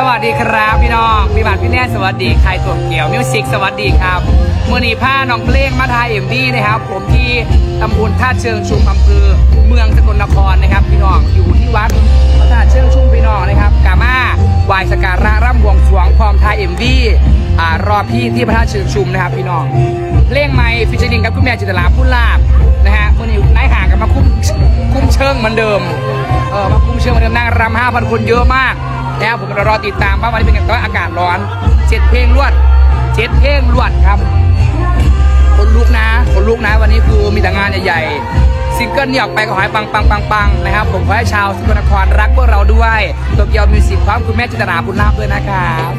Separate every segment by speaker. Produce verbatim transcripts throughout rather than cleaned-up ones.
Speaker 1: วัสดีครับพี่น้องพี่บาทพี่แน่สวัสดีใครตัวเกี่ยวมิวสิกสวัสดีครับเมื่อนี้ผ้าน้องเพลงมาทายเอ็มวีนะครับผมที่ตำบลท่าเชิงชุมอำเภอเมืองสกลนครนะครับพี่น้องอยู่ที่วัดพระธาตุเชิงชุมพี่น้องนะครับกามาไหว้สักการะร่ำบวงสรวงพร้อมทายเอ็มวีอ่ารอพี่ที่พระธาตุเชิงชุมนะครับพี่น้องเพลงใหม่ฟิชเชอริงกับคุณแม่จิตรลาพุลาบนะฮะเมื่อนี้นายห่างกันมาคุ้มคุ้มเชิงเหมือนเดิมเออมาคุ้มเชิงเหมือนเดิมนั่งรำห้าพันคนเยอะมากแล้วผมรอติดตามว่าวันนี้เป็นไงแต่ว่าอากาศร้อนเจ็ดเพลงรวดเจ็ดเพลงรวดครับคนลุกนะคนลุกนะวันนี้คือมีแต่งานใหญ่ๆซิงเกิลเนี่ยออกไปก็ขอให้ปังปังปังปังนะครับผมขอให้ชาวสกลนครรักพวกเราด้วยโตเกียวมิวสิกพร้อมคุณแม่จิตราบุญนาคด้วยนะครับ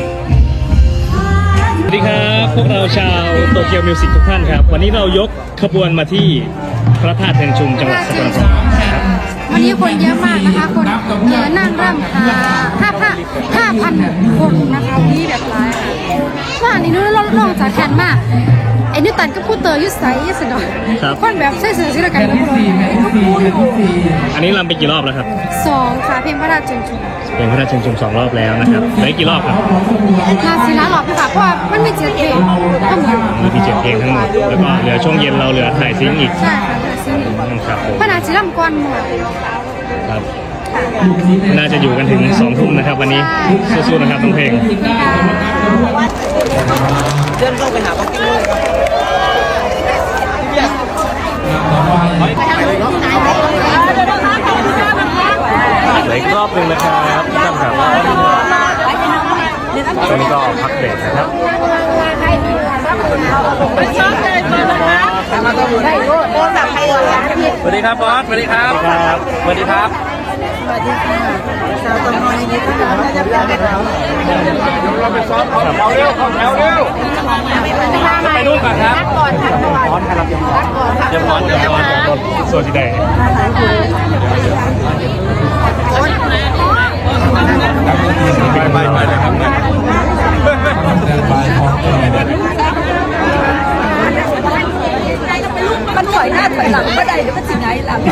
Speaker 2: สวัสดีครับพวกเราชาวโตเกียวมิวสิกทุกท่านครับวันนี้เรายกขบวนมาที่พระธาตุเชิงชุมจังหวัดสกลนคร
Speaker 3: วันนี้คนเยอะมากนะคะคนเยอะนั่งร่ำหาห้าพันห้าพันคนนะคะนี่แบบร้ายค่ะว่าอันนี้นู้นลองจากแคนมากไอ้นี่ตันก็พูดเตยยุสไซยุสดอยคนแบบใส่เสื้อสีละกันนะก็พูดอยู่
Speaker 2: อันนี้รำไปกี่รอบแล้วครับ
Speaker 3: สองค่ะเพลงพระราชเชิงชุม
Speaker 2: เพลงพระราชเชิงชุมสองรอบแล้วนะครับเหลือกี่รอบครับ
Speaker 3: มาศิลาหลอกค่ะเพราะว่ามันมีเจ็ดเพลงทั้งหมด
Speaker 2: มีที่เจ็ดเพลงทั้งหมดแล้วก็เหลือช่วงเย็นเราเหลือถ่ายซิงอีก
Speaker 3: ใช่ค่ะถ่ายซิง
Speaker 2: ครับผม
Speaker 3: พระราชลำก่อนหมด
Speaker 2: ครับน่าจะอยู่กันถึงสองทุ่มนะครับวันนี้สู้ๆนะครับน้องเพลง
Speaker 1: เดินเข้าไปหาพักกิ้งเลย
Speaker 2: อีกรอบหนึ่งนะครับท่านครับตอนนี้ก็พักเบรกนะครับ
Speaker 1: สวัสดีครับบอสสวัสดีครับสวัสดีครับ
Speaker 3: สวัสดีค่ะสาวตมอยนี่ค่ะเราจะไปแล้ว
Speaker 1: เราไปซ้อมเขาแถวเร็วเขาแถวเร็วจะไปนู่นก่อนครับก่อนค่ะก่อนครับเดี๋ยวก่อนเดี๋ยวก่อน
Speaker 2: สวัสดีได้ไปไปไปเลยครับ
Speaker 4: มันถอยหน้าถอยหลังไม่ได้เดี๋ยวมันสิไงหลัง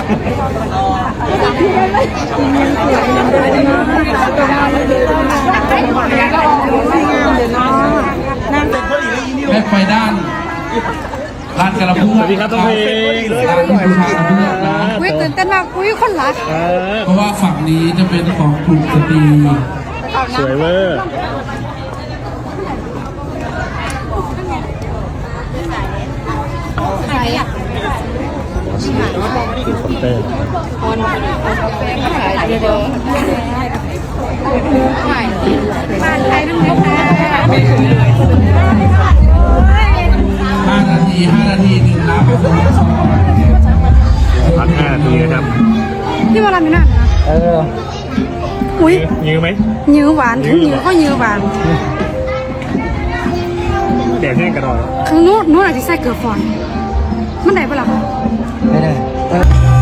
Speaker 5: แม่ไฟด้านร้านกระพุ้ง
Speaker 2: สวัสดีครับต้องเพลง
Speaker 5: ร้านกระพุ้งนะ
Speaker 3: อุ้ยตื่นเต้นมากอุ้ยคนรัก
Speaker 5: เพราะว่าฝั่งนี้จะเป็นของกลุ่มสตรี
Speaker 2: สวยเวอร์
Speaker 3: ใครอ่ะ
Speaker 2: คอมเตอร์
Speaker 3: คนขายเยอะๆขายบ้านใครนั่งนะคะ
Speaker 5: ห้านาทีห้านาทีหนึ่งน้ำผสมซอส
Speaker 2: พักห้านาทีนะครับ
Speaker 3: ที่ว่าเราไม่น่านะ
Speaker 2: เออ
Speaker 3: อุ้ย
Speaker 2: ยื้อไหม
Speaker 3: ยื้อหวานทั้งยื้อก็ยื้อหวาน
Speaker 2: แดดแห้งกระดอย
Speaker 3: คือนู้นนู้นอาจจะใส่เกลือฟอนมันได้ปะล่ะ
Speaker 2: ไม่ได้